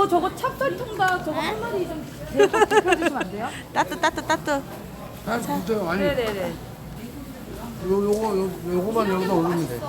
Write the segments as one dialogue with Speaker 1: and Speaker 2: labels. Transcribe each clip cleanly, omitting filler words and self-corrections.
Speaker 1: 저거 찹쌀통닭 저거 한 마리 좀 대주시면 안 돼요?
Speaker 2: 따뜻.
Speaker 3: 아, 진짜 아니.
Speaker 1: 네네네.
Speaker 3: 요거만 여기다 올리면 돼.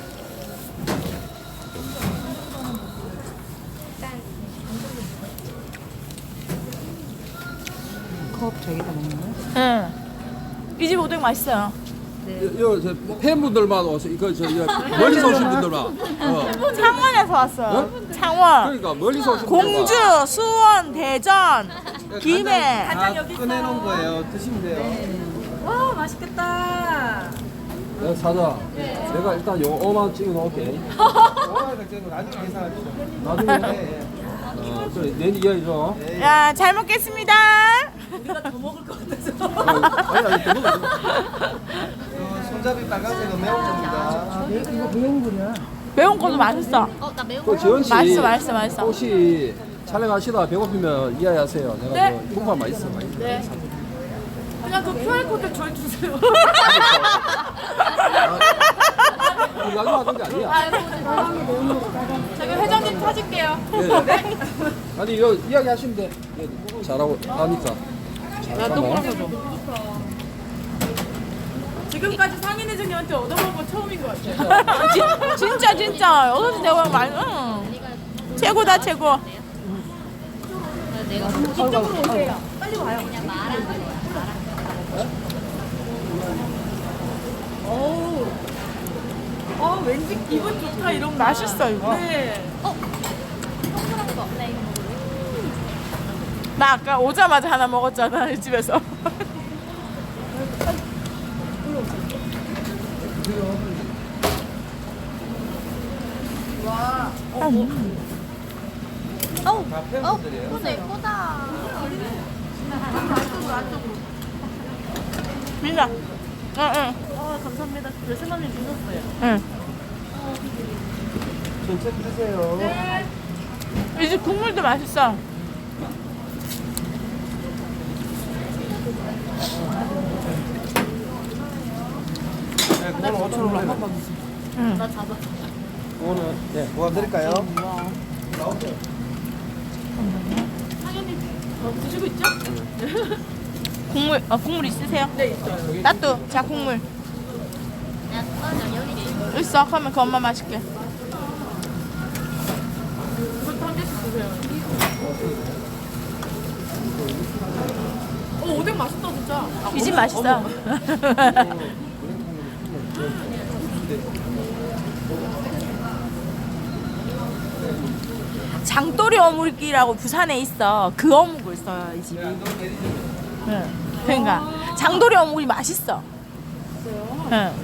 Speaker 1: 컵 저기다 먹는 거야?
Speaker 2: 응. 이 집 오뎅 맛있어요.
Speaker 3: 저 팬분들만 와서 이거 멀리서 오신 분들만.
Speaker 2: 창원에서 왔어요. 창원.
Speaker 3: 그러니까 멀리서 오신 분들만.
Speaker 2: 공주, 수원, 대전, 김해.
Speaker 1: 간장 여기 있어.
Speaker 4: 꺼내놓은 거예요. 드시면 돼요.
Speaker 1: 와 맛있겠다.
Speaker 3: 내가 사자. 내가 일단 요 5만 원 찍어 놓을게.
Speaker 4: 나중에 계산하시죠.
Speaker 3: 나중에. 그래, 내니 이야기죠.
Speaker 2: 야, 잘 먹겠습니다.
Speaker 1: 우리가 더 먹을 것 같아서.
Speaker 3: 아니, 또 먹어.
Speaker 4: 손잡이 빨간색은 매운 겁니다.
Speaker 1: 이거 매운물이야.
Speaker 2: 매운 것도 맛있어.
Speaker 5: 나 매운
Speaker 3: 그 지원 씨.
Speaker 2: 맛있어.
Speaker 3: 혹시 촬영하시다 배고프면 이야기하세요. 내가
Speaker 2: 네.
Speaker 3: 그 국밥 맛있어.
Speaker 2: 네. 그냥 그 QR코드 저희 주세요.
Speaker 3: 나중에 하던 게 아니야.
Speaker 2: 저기 회장님 찾을게요.
Speaker 3: 네. 아니 이거 이야기 하시면 돼. 잘하고 하니까.
Speaker 2: 나또 물어서 줘.
Speaker 1: 지금까지 상인 회장님한테 얻어먹은 건 처음인 것 같아요.
Speaker 2: 진짜. 여기서 내가 최고다, 최고.
Speaker 5: 내가
Speaker 1: 이쪽으로 오세요. 빨리 와요.
Speaker 5: 그냥 말한 거예요.
Speaker 1: 어우. 왠지 기분 좋다 이런 거.
Speaker 2: 맛있어, 이거.
Speaker 1: 네.
Speaker 5: 동그란 거. 나 이거 먹을래?
Speaker 2: 나 아까 오자마자 하나 먹었잖아, 이 집에서.
Speaker 5: 예쁘다 예쁘다.
Speaker 2: 민아. 응.
Speaker 1: 감사합니다. 열쇠만님 주셨어요.
Speaker 2: 응.
Speaker 4: 천천히 드세요.
Speaker 2: 이 집 국물도 맛있어.
Speaker 4: 네, 그거는 5,000원 한 번만 주세요.
Speaker 2: 응.
Speaker 4: 그거는 네, 보완 드릴까요?
Speaker 1: 드시고 있죠?
Speaker 2: 국물 있으세요?
Speaker 1: 네, 있어요.
Speaker 2: 나도. 자, 국물.
Speaker 5: 나 여기
Speaker 2: 있어. 그러면 그 엄마 맛있게.
Speaker 1: 이것도 한 개씩 드세요. 오뎅 맛있다, 진짜.
Speaker 2: 이 집 맛있어. 장돌이 어묵이라고 부산에 있어. 그 어묵을 써요, 이 집이. 응. 그러니까 장돌이 어묵이 맛있어. 응.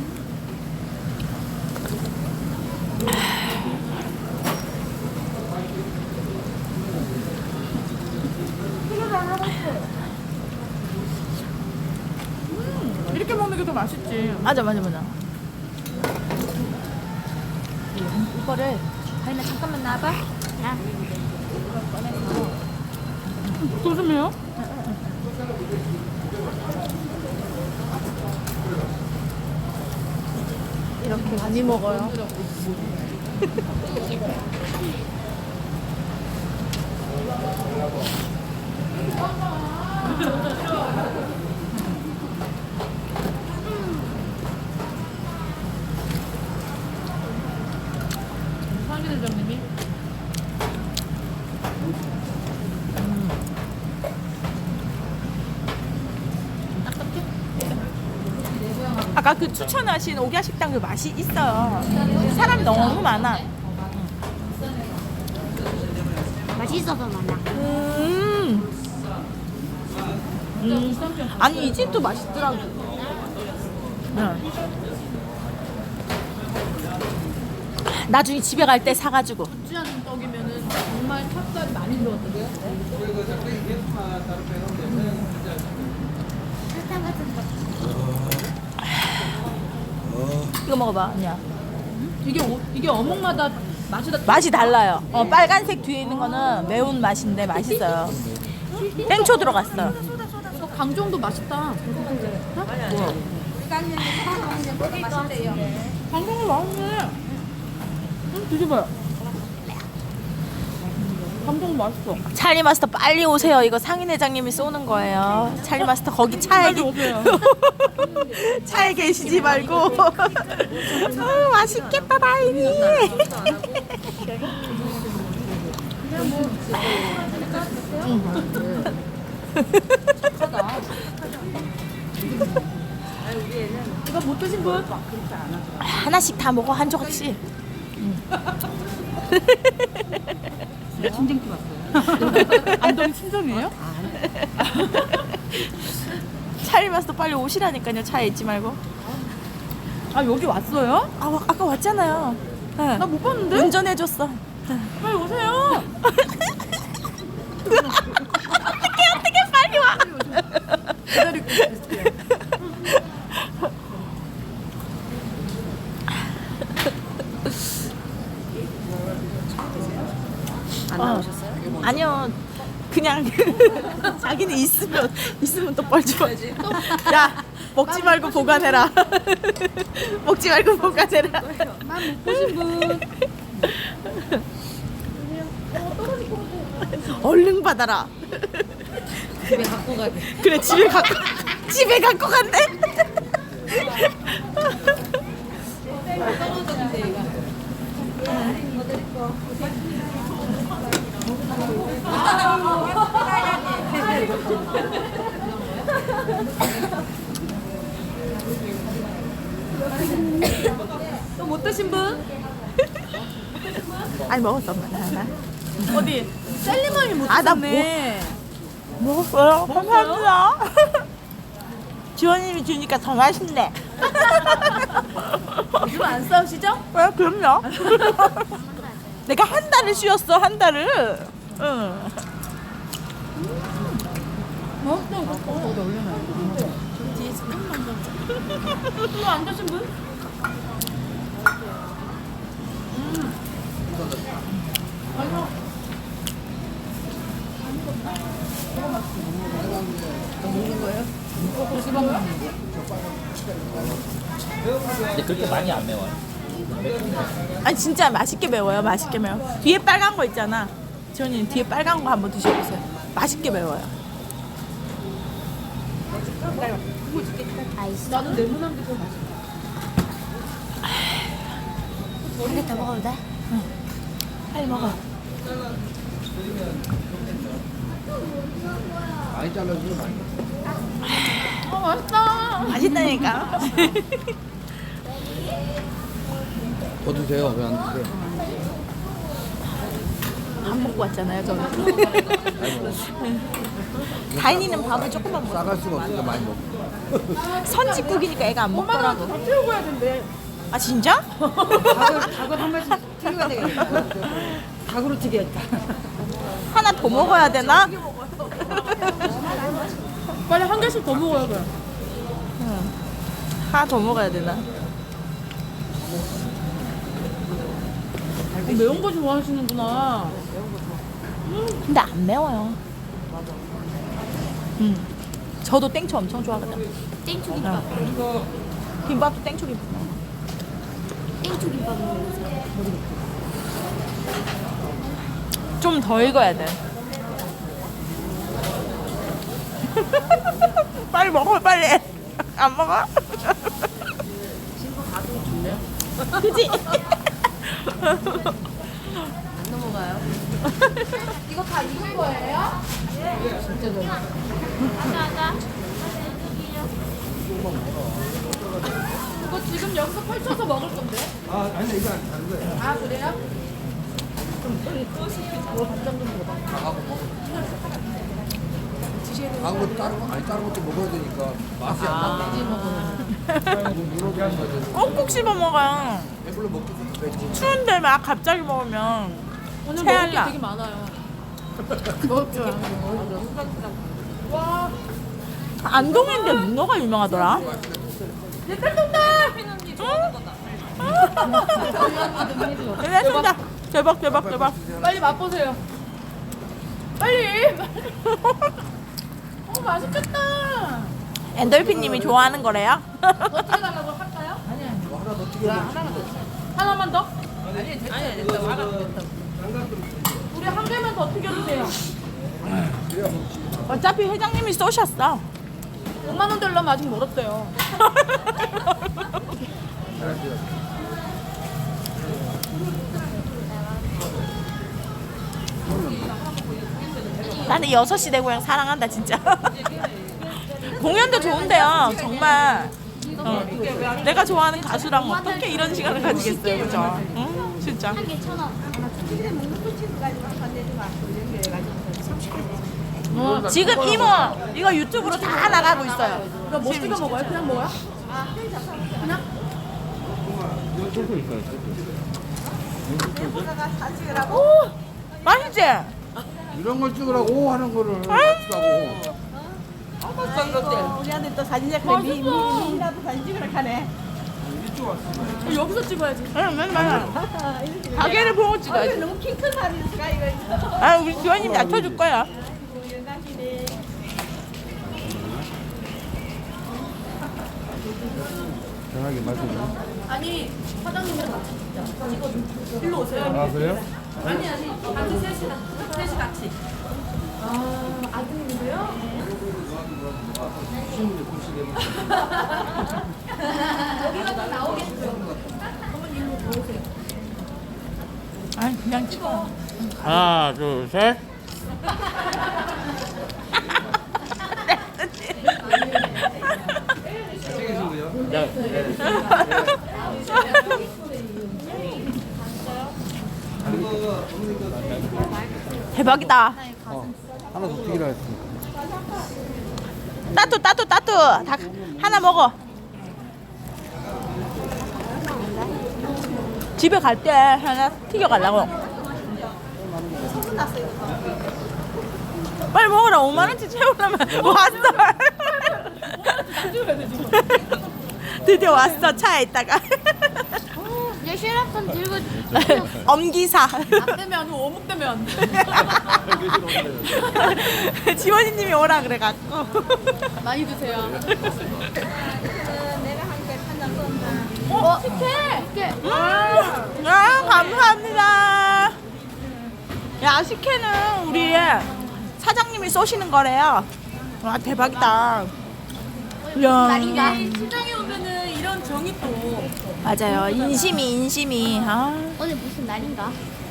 Speaker 1: 이렇게 먹는 게 더 맛있지.
Speaker 2: 맞아.
Speaker 5: 이거를 다이나 잠깐만 나와봐.
Speaker 1: 조심해요.
Speaker 2: 이렇게 많이 먹어요.
Speaker 1: 상인 회장님이.
Speaker 2: 아까 그 추천하신 오기야 식당 그 맛이 있어요. 사람이 너무 많아.
Speaker 5: 맛있어서 많아.
Speaker 2: 아니 이 집도 맛있더라고. 나중에 집에 갈 때 사가지고.
Speaker 1: 찌하는 떡이면은 정말 찹쌀이 많이 들어갔던데요?
Speaker 5: 설탕 같은 거.
Speaker 2: 이거 먹어봐, 언니야.
Speaker 1: 이게 어묵마다
Speaker 2: 맛이 달라요. 빨간색 뒤에 있는 거는 매운 맛인데 맛있어요. 땡초 들어갔어.
Speaker 1: 강정도 맛있다. 강정도 맛있네. 드셔봐요. 감동 맛있어.
Speaker 2: 찰리 마스터 빨리 오세요. 이거 상인 회장님이 쏘는 거예요. 찰리 마스터 거기 차에
Speaker 1: 빨리 오세요.
Speaker 2: 차에 계시지 말고. 맛있겠다 다행히.
Speaker 1: 이거 못 드신 분?
Speaker 2: 하나씩 다 먹어 한 조각씩.
Speaker 1: 친정집 왔어요. 안동 친정이에요?
Speaker 2: 찰리 마스터 빨리 오시라니까요. 차에 있지 말고.
Speaker 1: 아 여기 왔어요?
Speaker 2: 아까 왔잖아요. 네.
Speaker 1: 나 못 봤는데?
Speaker 2: 운전해줬어.
Speaker 1: 빨리 오세요.
Speaker 2: 어떻게 빨리 와.
Speaker 1: 기다리고 있을게요. 안 나오셨어요?
Speaker 2: 아니요. 그냥 자기는 있으면 또 뻘쭘하지. 야 먹지 말고 보관해라. 먹지 말고 보관해라.
Speaker 1: 못 보신 분.
Speaker 2: 얼른 받아라.
Speaker 1: 집에 갖고 가게.
Speaker 2: 그래 집에 갖고 간대.
Speaker 1: 또 못 드신 분?
Speaker 2: 아니 먹었어 엄마 하나.
Speaker 1: 어디? 셀리머니 못
Speaker 2: 아, 나
Speaker 1: 드셨네.
Speaker 2: 먹었어요. 감사합니다. 지원님이 주니까 더 맛있네.
Speaker 1: 요즘 안 싸우시죠?
Speaker 2: 왜 그럼요. 내가 한 달을 쉬었어 한 달을. 응.
Speaker 1: 맛있어. 어디 올려놔요. 뒤에서 큰만 더. 또안 드신 분?
Speaker 4: 근데 그렇게 많이 안 매워요.
Speaker 2: 아니 진짜 맛있게 매워요. 맛있게 매워. 뒤에 빨간 거 있잖아. 지원님 뒤에 빨간 거 한번 드셔보세요. 맛있게 매워요.
Speaker 5: 아이스.
Speaker 1: 나는 레몬한 게더 맛있어.
Speaker 5: 한 개 더 먹어도 돼?
Speaker 2: 빨리 먹어.
Speaker 3: 많이 잘라주세요. 많이.
Speaker 1: 아 맛있다.
Speaker 2: 맛있다니까.
Speaker 3: 더 드세요. 왜 안 드세요?
Speaker 2: 밥 먹고 왔잖아요 저는. 다인이는 밥을 조금만 먹어.
Speaker 3: 싸갈 수가 없으니까 많이 먹어.
Speaker 2: 선짓국이니까 애가 안
Speaker 1: 엄마가
Speaker 2: 먹더라고.
Speaker 1: 다 태우고 가야 된대.
Speaker 2: 아 진짜?
Speaker 1: 닭을 한 마리씩 튀겨야 되겠다. 닭으로 튀겨야겠다.
Speaker 2: 하나 더 먹어야 되나?
Speaker 1: 빨리 한 개씩 더 먹어야 돼.
Speaker 2: 하나 더 먹어야 되나?
Speaker 1: 매운 거 좋아하시는구나.
Speaker 2: 근데 안 매워요. 저도 땡초 엄청 좋아하거든.
Speaker 5: 땡초 김밥.
Speaker 2: 김밥도 땡초 김밥.
Speaker 5: 땡초 김밥 먹으세요.
Speaker 2: 좀 더 익어야 돼. 빨리 먹어 빨리. 안 먹어?
Speaker 1: 친구 가도 좋네요.
Speaker 2: 그지?
Speaker 1: 안 넘어가요. 이거 다 익은 거예요? 진짜 좋아.
Speaker 5: 맞아.
Speaker 1: 이거 지금 여기서 펼쳐서 먹을 건데?
Speaker 3: 아, 아니 이거 안 다른 거예요.
Speaker 1: 아 그래요?
Speaker 3: 다른 거 다른 거 아니 다른 것도 먹어야 되니까 맛이 안 나.
Speaker 2: 꼭꼭 씹어 먹어요.
Speaker 3: 배불러 먹기 좋겠지.
Speaker 2: 추운데 막 갑자기 먹으면
Speaker 1: 오늘
Speaker 2: 체할라.
Speaker 1: 먹을 게 되게 많아요. 먹을 줄 알고. 와.
Speaker 2: 안동인데 문어가 유명하더라. 대박 대박 대박 대박.
Speaker 1: 빨리 맛보세요. 빨리. 맛있겠다.
Speaker 2: 엔돌핀님이 좋아하는 거래요?
Speaker 1: 더 튀겨달라고 할까요? 아니야.
Speaker 3: 뭐 하나 더 튀겨.
Speaker 1: 하나만 더? 아니 됐다. 아니 됐다. 화가 됐다.
Speaker 2: 우리 한 개만 더 튀겨주세요. 어차피 회장님이 쏘셨어. 5만 원 되려면 아직 멀었대요. 나는 6시 내 고향 사랑한다 진짜. 공연도 좋은데요 정말. 내가 좋아하는 가수랑 어떻게 이런 시간을 가지겠어요, 그죠? 응? 진짜.
Speaker 5: 한 개 1,000원.
Speaker 2: 지금 이모 이거 유튜브로 다 나가고 있어요. 이거 뭐 찍어 먹어요? 그냥 먹어요? 오 맛있지?
Speaker 3: 이런 걸 찍으라고 하는 거를 같이 하고.
Speaker 1: 우리한테 또 사진 작가 미라도 사진 찍으러 가네.
Speaker 2: 여기서 찍어야지. 응, 맨날 가게를 보고 찍어야지.
Speaker 1: 너무 킹큰 사진이니까 이거.
Speaker 2: 아, 우리 지원님 낮춰줄 거야.
Speaker 3: 편하게 마시고.
Speaker 2: 아니, 사장님이랑 같이 찍자. 일로 오세요.
Speaker 3: 아, 그래요?
Speaker 2: 아니, 같이 셋이 같이. 아, 아드님이세요? 여기가 나오겠죠. 어머니 일로 들어오세요. 아니, 그냥 찍어.
Speaker 3: 하나, 둘, 셋.
Speaker 2: 대박이다.
Speaker 3: 하나 더 튀기라 했으니까.
Speaker 2: 따뚜. 다 하나 먹어. 집에 갈 때 하나 튀겨 가려고. 빨리 먹어라. 5만 원치 채우려면 왔어. 드디어 왔어. 차에 있다가.
Speaker 5: 얘 슈라폰 들고
Speaker 2: 엄기사.
Speaker 1: 안 되면 아니고 어묵 되면 안 돼.
Speaker 2: 지원이님이 오라 그래갖고.
Speaker 1: 많이 드세요.
Speaker 5: 식혜.
Speaker 2: 아, 감사합니다. 야, 식혜는 우리 사장님이 쏘시는 거래요. 와, 대박이다. 이야.
Speaker 5: 날인가?
Speaker 1: 시장에 오면은 이런 정이 또.
Speaker 2: 맞아요. 인심이. 아.
Speaker 5: 오늘 무슨 날인가?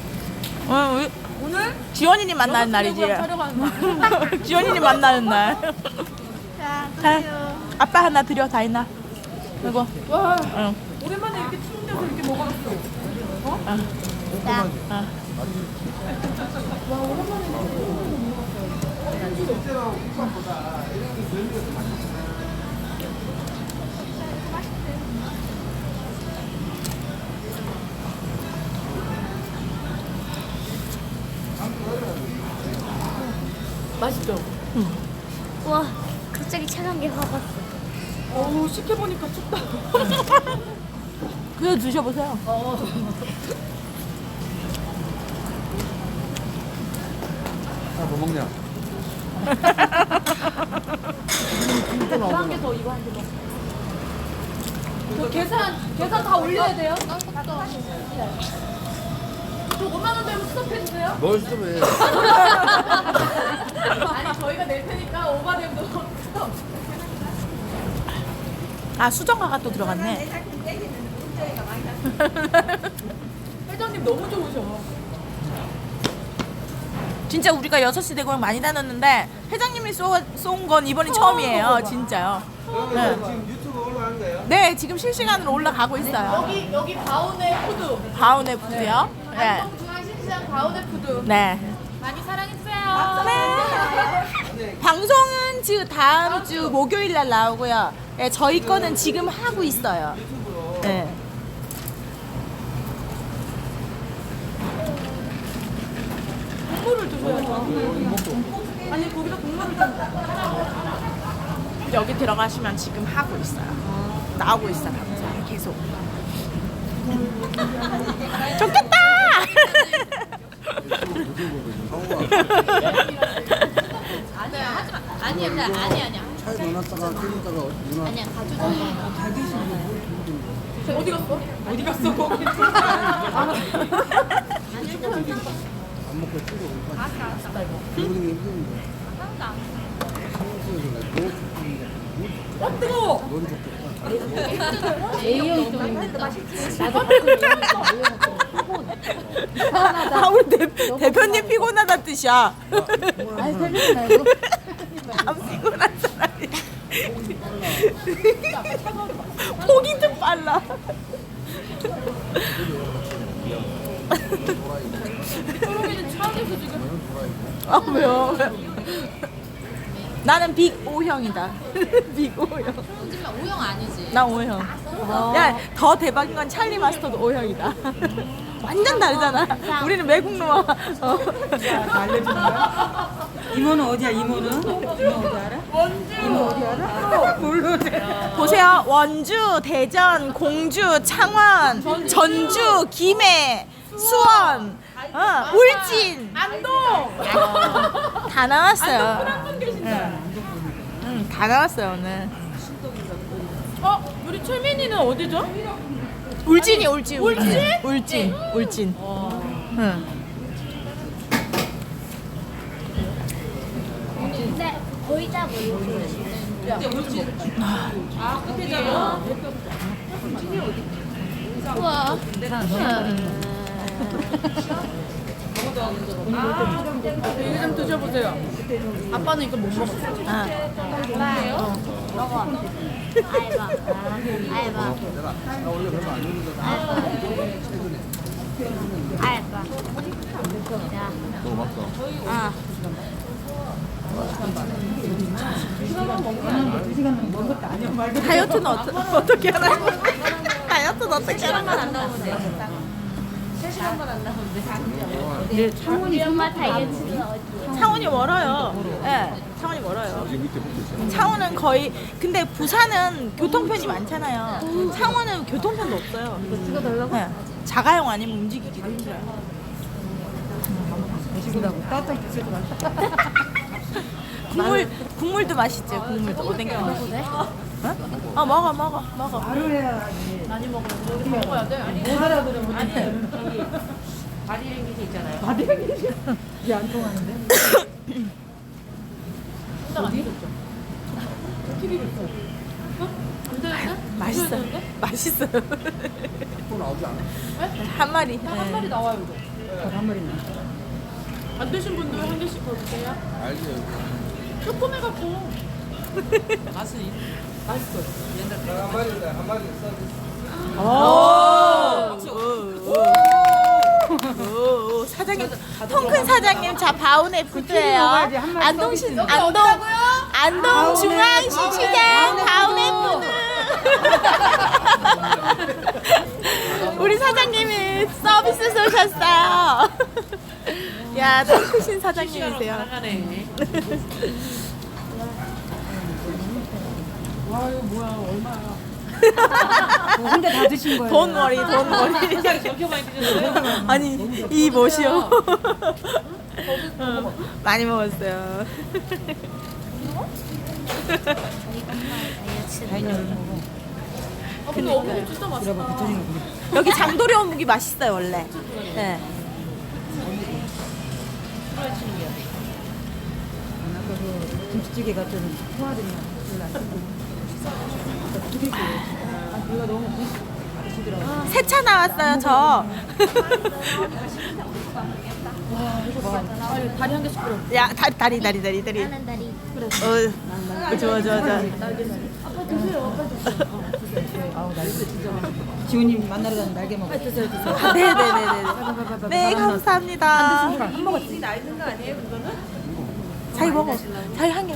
Speaker 2: 오늘 지원이님 만나는 날이지.
Speaker 1: 촬영하는 날.
Speaker 2: 지원이님 만나는 날. 자, 아빠 하나 드려, 다이나. 이거.
Speaker 1: 와,
Speaker 2: 응.
Speaker 1: 오랜만에 이렇게 추운 데서 이렇게 먹어봤어.
Speaker 5: 나.
Speaker 1: 맛있죠?
Speaker 5: 와, 갑자기 차가운 게 확 왔어.
Speaker 1: 어우, 시켜보니까 춥다.
Speaker 2: 그거 드셔보세요.
Speaker 3: 하나 더 먹냐?
Speaker 1: 한 개 더, 이거 한 개 더. 저 계산 다 올려야 돼요? 저 5만 원 되면 스톱해주세요.
Speaker 3: 뭘 쓰면
Speaker 1: 아니, 저희가 낼 테니까 오바되면 스톱.
Speaker 2: 아, 수정화가 또 들어갔네.
Speaker 1: 회장님 너무 좋으셔.
Speaker 2: 진짜 우리가 6시 대고향 많이 다녔는데 회장님이 쏜 건 이번이 처음이에요. 진짜요. 네.
Speaker 3: 지금 유튜브 올라가는 거예요?
Speaker 2: 네, 지금 실시간으로 올라가고 있어요.
Speaker 1: 여기 바운의 푸드.
Speaker 2: 바운의 푸드요. 네.
Speaker 1: 안동중앙시장 바운의 푸드.
Speaker 2: 네.
Speaker 1: 많이 사랑해주세요.
Speaker 2: 네. 방송은 지금 다음 주 목요일 날 나오고요. 네, 저희 거는 지금 하고 있어요. 네.
Speaker 1: 국물을 드셔야죠. 아니, 거기다 국물을 좀.
Speaker 2: 여기 들어가시면 지금 하고 있어요. 나오고 있어요. 방송 계속. 좋겠다.
Speaker 1: 아니야.
Speaker 3: 차에 넣어놨다가 끓이다가 누나
Speaker 5: 아니야, 가져줘.
Speaker 1: 어디 갔어? 거기.
Speaker 3: 밥 먹고 뛰고 그러는 게 힘든데.
Speaker 1: 뜨거워.
Speaker 3: 넌 좋겠다.
Speaker 1: A형이 좀 힘들다.
Speaker 2: 아 우리 대표님 피곤하다는 뜻이야.
Speaker 1: 아니 대표님 말고.
Speaker 2: 안 피곤한 사람이. 폭이 좀 빨라.
Speaker 1: 초록이는 차에서 지금.
Speaker 2: 아 왜요? 나는 빅 O형이다. 빅 O형.
Speaker 1: O형 아니지.
Speaker 2: 나 O형. 야, 더 대박인 건 찰리 마스터도 O형이다. 완전 다르잖아. 우리는 외국 노아.
Speaker 4: 알려주는 거야? 이모는 어디야? 이모는? 이모 어디 알아? 이모 어디 알아? 모르네.
Speaker 2: 보세요. 원주, 대전, 공주, 창원, 전주, 김해, 수원, 울진,
Speaker 1: 안동.
Speaker 2: 다 나왔어요.
Speaker 1: 한분 계신다.
Speaker 2: 응, 다 나왔어요 오늘.
Speaker 1: 우리 최민이는 어디죠?
Speaker 2: 울진이 울진.
Speaker 1: 울진?
Speaker 2: 울진. 울진. 응.
Speaker 5: 근데 거의 다 모르고.
Speaker 1: 끝에잖아.
Speaker 5: 우와.
Speaker 1: 이거 좀 드셔보세요. 아빠는 이거 못 먹었어.
Speaker 5: 먹어. 알바. 알바.
Speaker 3: 나 원래 별로 안 먹는다.
Speaker 5: 알바. 야.
Speaker 3: 먹어봤어.
Speaker 5: 아.
Speaker 2: 다이어트는 어떻게 하나요? 다이어트는 어떻게 하나요?
Speaker 1: 안 나오면 돼. 3시간만 안 나오면 돼.
Speaker 5: 우리 엄마 다이어트는 어디야?
Speaker 2: 창원이 멀어요. 네, 창원이 멀어요.
Speaker 3: 여기 밑에 붙어 있어.
Speaker 2: 창원은 거의 근데 부산은 교통편이 많잖아요. 창원은 교통편도 없어요. 네, 자가용 아니면 움직이기도 힘들어요. 국물도 맛있죠. 국물도 오뎅 국물. 어? 먹어.
Speaker 4: 바로 해야지.
Speaker 1: 많이 먹어야 돼. 아니,
Speaker 4: 못 알아들으면 못해.
Speaker 1: 바디랭귀지 있잖아요.
Speaker 4: 이게 안 통하는데?
Speaker 2: 맛있어요.
Speaker 3: 또 나오지 않아?
Speaker 2: 한 마리.
Speaker 1: 한 마리 나와요, 이거.
Speaker 4: 한 마리 나.
Speaker 1: 안 되신 분들 한 개씩 더 드세요.
Speaker 3: 알지.
Speaker 1: 조그매갖고. 맛있어요.
Speaker 3: 한 마리인데 한 마리 서비스.
Speaker 2: 오, 사장님, 통큰 사장님, 자 바운의 푸드예요.
Speaker 4: 먹어야지, 한 마리
Speaker 2: 안동
Speaker 4: 서비스.
Speaker 2: 안동 중앙시시장 바운의 푸드. 우리 사장님이 서비스 쏘셨어요. 야, 통크신 사장님이세요.
Speaker 1: 와, 이거 뭐야, 얼마야.
Speaker 4: 혼자 다 드신 거예요?
Speaker 2: 돈 머리.
Speaker 1: 저렇게 많이 드셨어요?
Speaker 2: 아니, 이 멋이요. 많이 먹었어요.
Speaker 1: 근데 어묵이 진짜 맛있다.
Speaker 2: 여기 장도리 어묵이 맛있어요, 원래. 네.
Speaker 4: 아까 그 김치찌개 같은 소화전이 별로 안 쓰고. 이거 너무 맛있더라고.
Speaker 2: 세차 나왔어요, 저.
Speaker 1: 다리 한 개씩 끌어.
Speaker 2: 야, 다리.
Speaker 5: 나는 다리.
Speaker 2: 좋아.
Speaker 4: 지훈님 만나러 가는 날개 먹어. 드세요.
Speaker 2: 네네네네. 네, 감사합니다.
Speaker 1: 한 먹었지? 나 있는 거 아니에요, 그거는?
Speaker 2: 자기 먹어. 자기 한 개.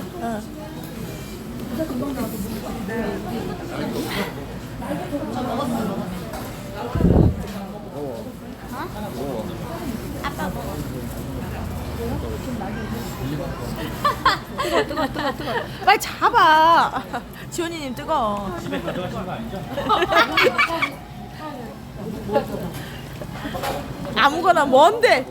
Speaker 5: 아빠 먹어.
Speaker 2: 뜨거. 빨리 잡아. 지원이님 뜨거. 아무거나 뭔데?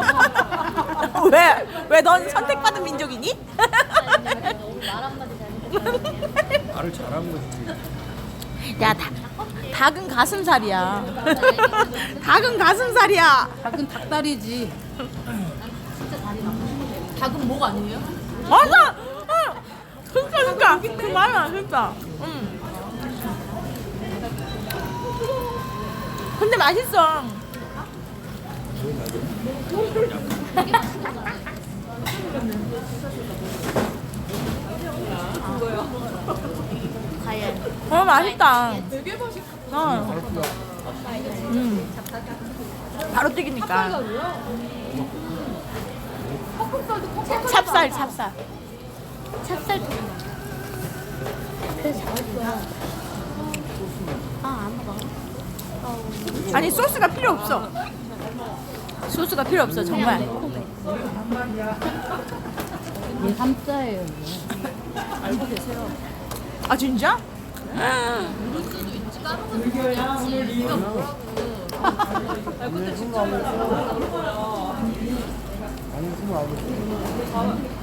Speaker 2: 왜 넌 선택받은 민족이니?
Speaker 5: 오늘 말 한마디 잘못했어.
Speaker 3: 말을 잘한 거지.
Speaker 2: 야, 닭은 가슴살이야. 닭은 가슴살이야.
Speaker 1: 닭은 닭다리지. 닭은 목 아니에요?
Speaker 2: 맞아. 그러니까 그 말이야 진짜. 근데 맛있어.
Speaker 5: 과연
Speaker 2: 맛있다.
Speaker 1: 되게 맛있어.
Speaker 2: 바로 튀기니까. 찹쌀.
Speaker 5: 찹쌀 그래서 잘했어. 아안 먹어.
Speaker 2: 아니 소스가 필요 없어. 소스가 필요 없어 정말.
Speaker 1: 얘 삼자예요.
Speaker 2: 아 진짜?
Speaker 3: 아니 그거 아버지.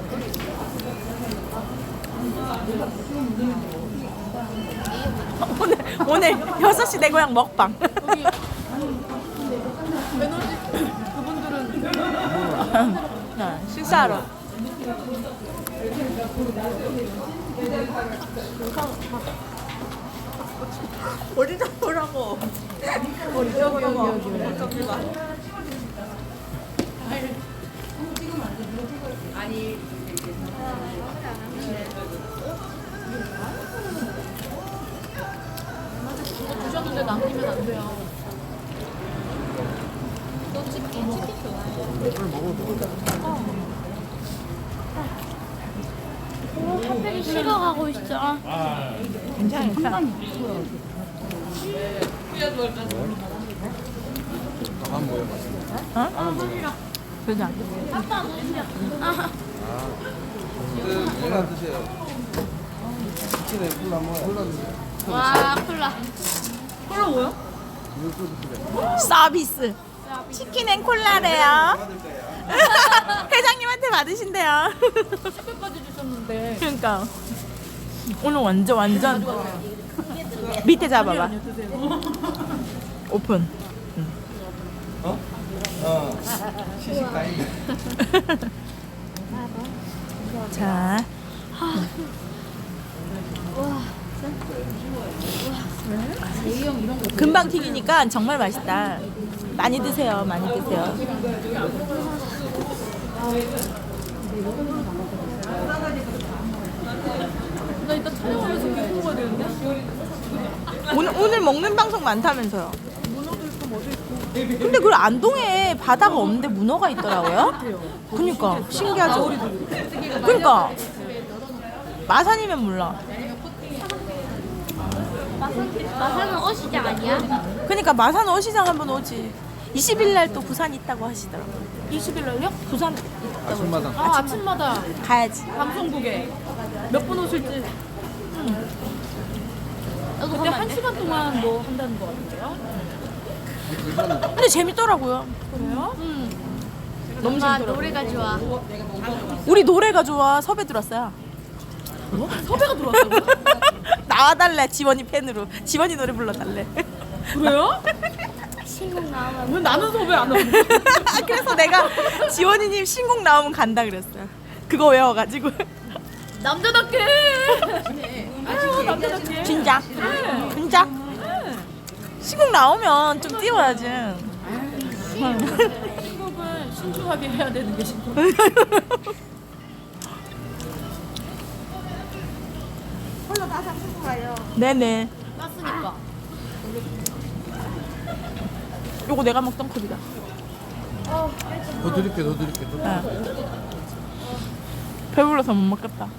Speaker 2: 오늘 6시 내 고향 먹방. 식사하러. 어디 잡으라고. 여기.
Speaker 1: 드셨는데 남기면 안 돼요.
Speaker 5: 핫팩이 식어가고 있어.
Speaker 2: 괜찮아.
Speaker 3: 아 뭐야 맛있어.
Speaker 2: 그죠?
Speaker 3: 콜라 드세요. 치킨에 콜라 먹어요. 콜라 드세요.
Speaker 5: 와 콜라.
Speaker 1: 콜라 뭐야?
Speaker 3: 이거 또 드세요.
Speaker 2: 서비스. 치킨 앤 콜라래요. 회장님한테 받으신대요.
Speaker 1: 택배까지 주셨는데.
Speaker 2: 그러니까 오늘 완전 밑에 잡아봐. 오픈.
Speaker 3: 시식가이.
Speaker 2: 자, 금방 튀기니까 정말 맛있다. 많이 드세요, 많이 드세요.
Speaker 1: 나 이따 촬영하면서 이거 먹어야 되는데?
Speaker 2: 오늘 먹는 방송 많다면서요? 근데 그 안동에 바다가 없는데 문어가 있더라고요. 그러니까 신기하죠. 그러니까 마산이면 몰라.
Speaker 5: 마산은 어시장 아니야?
Speaker 2: 그러니까 마산 어시장 한번 오지. 20일 날 또 부산 있다고 하시더라고. 20일 날요? 부산
Speaker 3: 아침마당.
Speaker 1: 아 아침마다
Speaker 2: 가야지.
Speaker 1: 방송국에 몇 분 오실지.
Speaker 5: 너도
Speaker 1: 그때
Speaker 5: 가면 안
Speaker 1: 1시간 동안 뭐 한다는 거 같은데요?
Speaker 2: 근데 재밌더라고요.
Speaker 1: 그래요?
Speaker 2: 너무
Speaker 5: 엄마
Speaker 2: 재밌더라고.
Speaker 5: 노래가 좋아.
Speaker 2: 우리 노래가 좋아. 섭외 들었어요.
Speaker 1: 섭외가 들어왔다고?
Speaker 2: 나와달래 지원이 팬으로. 지원이 노래 불러달래.
Speaker 1: 그래요?
Speaker 5: 신곡 나오면
Speaker 1: 왜 나는 섭외 안 하고?
Speaker 2: 그래서 내가 지원이님 신곡 나오면 간다 그랬어요. 그거 외워가지고.
Speaker 1: 남자답게! 남자답게!
Speaker 2: 진짜? 진짜? 신곡 나오면 좀 띄워야지.
Speaker 1: 신곡은 신중하게 해야 되는 게 신곡.
Speaker 2: 네네.
Speaker 1: 땄으니까.
Speaker 2: 요거 내가 먹던 컵이다.
Speaker 3: 더 드릴게, 더 드릴게. 더 드릴게.
Speaker 2: 배불러서 못 먹겠다.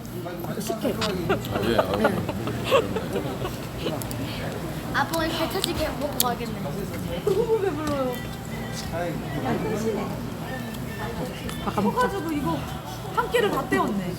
Speaker 5: 아빠 오늘 배 터지게 먹고 가겠네.
Speaker 1: 너무 배불러요.
Speaker 2: 바꿔 먹자.
Speaker 1: 커가지고 이거 한 끼를 다 때웠네.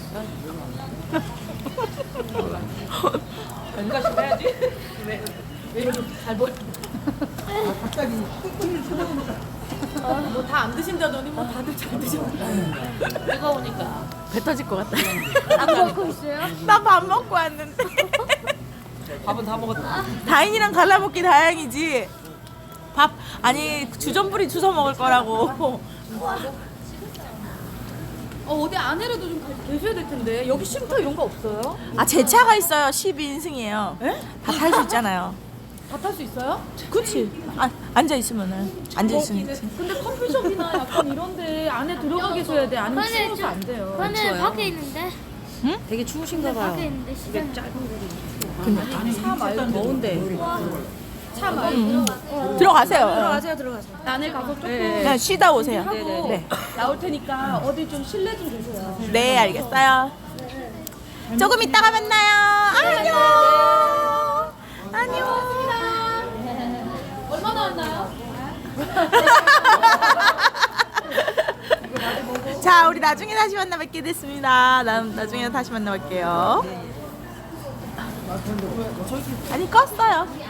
Speaker 1: 뭔가 좀 해야지. 왜 이렇게 잘 보여? 갑자기 뭐 다 안 드신다더니 뭐 다들 잘 드셨네.
Speaker 5: 뜨거우니까.
Speaker 2: 배 터질 것 같다.
Speaker 5: 안 먹고 있어요?
Speaker 2: 나 밥 먹고 왔는데.
Speaker 3: 밥은 다 먹었다.
Speaker 2: 다인이랑 갈라먹기 다행이지. 밥 아니 주전부리 주워 먹을 거라고.
Speaker 1: 어디 안에라도 좀 계셔야 될 텐데 여기 쉼터 이런 거 없어요?
Speaker 2: 아 제 차가 있어요. 12인승이에요.
Speaker 1: 에?
Speaker 2: 다 탈 수 있잖아요.
Speaker 1: 다 탈 수 있어요?
Speaker 2: 그치? 앉아 있으면은 앉아 있으면 있지.
Speaker 1: 근데 커피숍이나 약간 이런데 안에 들어가 계셔야 돼. 아니면 추워서 안 돼요.
Speaker 5: 저는 밖에 있는데.
Speaker 4: 되게 추우신가
Speaker 5: 밖에 있는데 시간.
Speaker 1: 차 말고 더운데. 차 말고
Speaker 2: 들어가세요.
Speaker 4: 들어가세요.
Speaker 1: 안에 가서 조금
Speaker 2: 그냥 쉬다 오세요.
Speaker 1: 하고
Speaker 2: 네.
Speaker 1: 나올 테니까 어디 좀 실내 좀 계세요.
Speaker 2: 네, 알겠어요. 조금 이따가 만나요. 안녕. 안녕.
Speaker 1: 얼마나 왔나요?
Speaker 2: 자, 우리 나중에 다시 만나 뵙게 됐습니다. 나중에 다시 만나 뵐게요. 아니, 껐어요.